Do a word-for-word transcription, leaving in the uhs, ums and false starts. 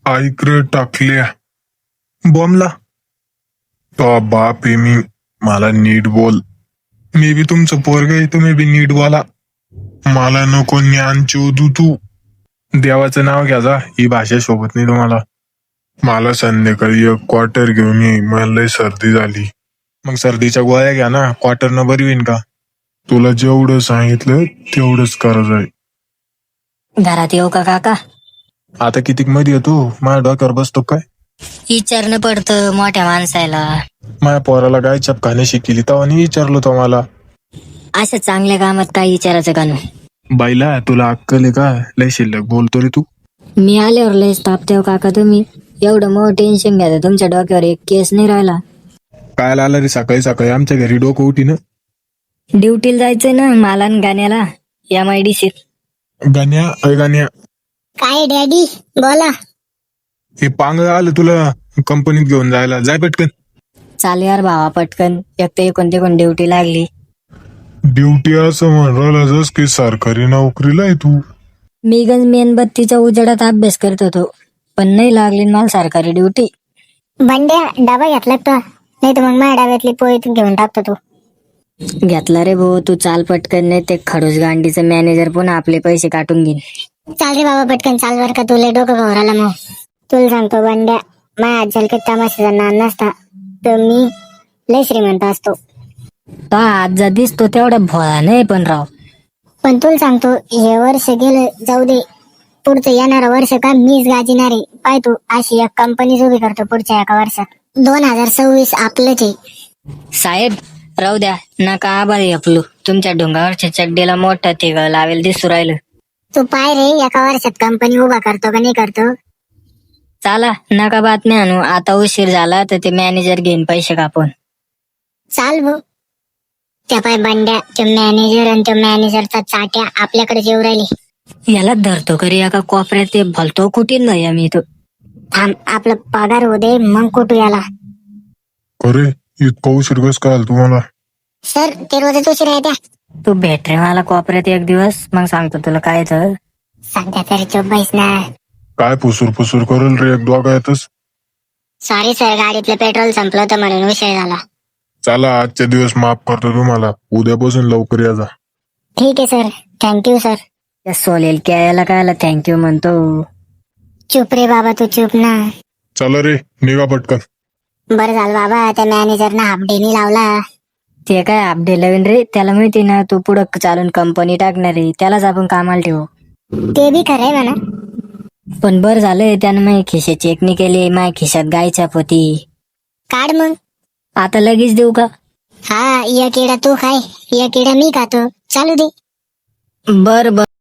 ऐकरे टाकल्या बॉम्बला तो बाप आहे मी. मला नीट बोल. मी बी तुमचं पोरग आहे, तुम्ही बी नीट बोला. मला नको ज्ञान चोदू तू. देवाचं नाव घ्या जा, ही भाषा शोभत नाही तुम्हाला. मला संध्याकाळी एक क्वार्टर घेऊन ये, मला लय सर्दी झाली. मग सर्दीच्या गोळ्या घ्या ना, क्वार्टरनं बरी होईन का? तुला जेवढं सांगितलं तेवढंच करायचं आहे. घरात येऊ का काका? आता कितीक मध्ये येतो, माझ्या डोक्यावर बसतो काय? विचारणं पडतं मोठ्या माणसाला. माझ्या पोराला गाय चपकाने शिकली तेव्हा नाही विचारलो तो मला. असं चांगल्या कामात काय विचारायचं का नाही? बाईला तुला अक्कल आहे का? लय शिल्लक बोलतो रे तू. मी आल्यावर लय तापतेव काका तुम्ही. एवढं मोठं टेन्शन घ्या तुमच्या डोक्यावर एक केस नाही राहिला. काय आला रे सकाळी सकाळी आमच्या घरी डोकं उठी ना. ड्युटीला जायचंय ना मला आणि गाण्याला एम आय डी सी. गाण्या अय गाण्या, काय डॅडी बोला. हे पांग आलं तुला कंपनीत घेऊन जायला, जाय पटकन. चाल यार भावा पटकन, एक तर कोणती कोण ड्युटी लागली. ड्युटी असं म्हणला जस की सरकारी नोकरीला आहे तू. मी गंज मेणबत्तीच्या उजेडात अभ्यास करत होतो, पण नाही लागली मला सरकारी ड्युटी. बंड्या डबा घेतला का? नाही तर मग माझ्या डब्यातली पोळी तू घेऊन टाकतो तू. घेतला रे भाऊ, तू चाल पटकन, नाही ते खडूस गांडीचं मॅनेजर पुन्हा आपले पैसे काटून घेईन. चाल रे बाबा पटकन चाल, बर का तुला डोकं भरायला. मग तुला सांगतो बंड्या, माझ्या आजल काही तमाशाचा नाद नसता तर मी लय श्रीमंत असतो. तो आज जा दिसतो तेवढा भोळा नाही पण राव. पण तुला सांगतो, हे वर्ष गेलं जाऊ दे, पुढचं येणारं वर्ष का मीच गाजिणार आहे. पाय तू अशी एक कंपनी उभी करतो पुढच्या एका वर्षात. दोन हजार सव्वीस आपलंच आहे. साहेब राहू द्या, नका आभारी आपलू. तुमच्या डोंगावरच्या चड्डीला मोठं तिघ लावेल दिसू राहिलं. तू पाय रे, एका वर्षात कंपनी उभा करतो का नाही करतो. चला नका बातम्या आणू, आता उशीर झाला तर ते मॅनेजर घेईन पैसे कापून. चाल भाऊ. त्या पाय बंड्या, तो मॅनेजर आणि तो मॅनेजरचा चाट्या आपल्याकडे येऊ राहिले. याला धरतो करी एका कोपऱ्यात, ते भलतो कुठीन नाही मी तो. थांब, आपलं पगार होऊ दे मग कुठू याला. अरे इतका उशीर कस काय आला तुम्हाला? सर ते रोजच उशीर आहे त्या. तू भेट रे मला कोपऱ्यात एक दिवस, मग सांगतो तुला काय तर. सध्या तरी चुप बैस ना. काय पुसूर पुसूर करेल रे एक दोघायतच. सॉरी सर, गाडीतलं पेट्रोल संपलं होतं म्हणून उशीर झाला. चला आजच्या दिवस माफ करतो तुम्हाला, उद्यापासून लवकर या जा. ठीक आहे सर, थँक्यू सर. त्या सोलेल यायला कायला थँक्यू म्हणतो. चुप रे बाबा, तू चुप ना. चला रे निघा पटकन. बरं झालं बाबा, त्या मॅनेजरना हाफ डेनी लावला. ते काय अपडे नवीन रे, त्याला माहिती ना तू पुढं चालून कंपनी टाकणार आहे, त्यालाच आपण कामाला ठेवू. ते बी खरंय म्हणा. पण बरं झालंय त्यानं माझ्या खिशे चेकनी केली, माझ्या खिशात गायच्या पोती. काढ मग. आता लगेच देऊ का? हा, एक किडा तू खाय, एक किडा मी खातो, चालू दे. बर बर.